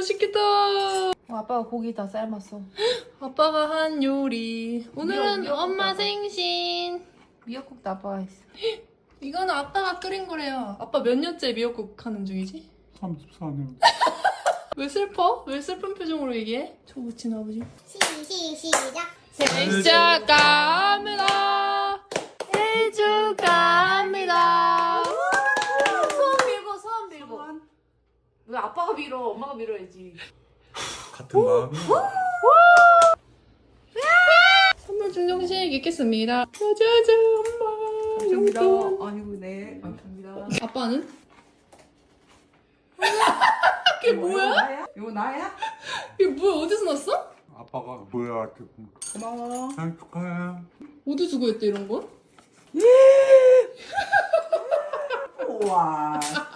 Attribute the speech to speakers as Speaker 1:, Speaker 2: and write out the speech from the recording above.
Speaker 1: 맛있겠다.
Speaker 2: 아빠가 고기 다 삶았어.
Speaker 1: 아빠가 한 요리. 오늘은
Speaker 2: 미역국
Speaker 1: 엄마
Speaker 2: 아빠.
Speaker 1: 생신.
Speaker 2: 미역국도 아빠가 했어.
Speaker 1: 이거는 아빠가 끓인 거래요. 아빠 몇 년째 미역국 하는 중이지?
Speaker 3: 34년.
Speaker 1: 왜 슬퍼? 왜 슬픈 표정으로 얘기해? 저 붙인 아버지.
Speaker 4: 시작.
Speaker 1: 생일 축하합니다. 생일 축하합니다.
Speaker 2: 소원 빌고 소원 빌고. 왜 아빠가 빌어? 엄마가 빌어야지.
Speaker 3: 같은 마음이야.
Speaker 1: 선물 증정식 있겠습니다. 짜자잔 엄마.
Speaker 5: 감사합니다.
Speaker 1: 용돈.
Speaker 5: 아니고 네 감사합니다.
Speaker 1: 아빠는? 이게 뭐야?
Speaker 5: 이거 나야?
Speaker 1: 이게 뭐야? 어디서 났어?
Speaker 3: 아빠가 뭐야?
Speaker 5: 고마워.
Speaker 3: 생일 축하해.
Speaker 1: 어디 주고 했대 이런 거?
Speaker 5: 우와.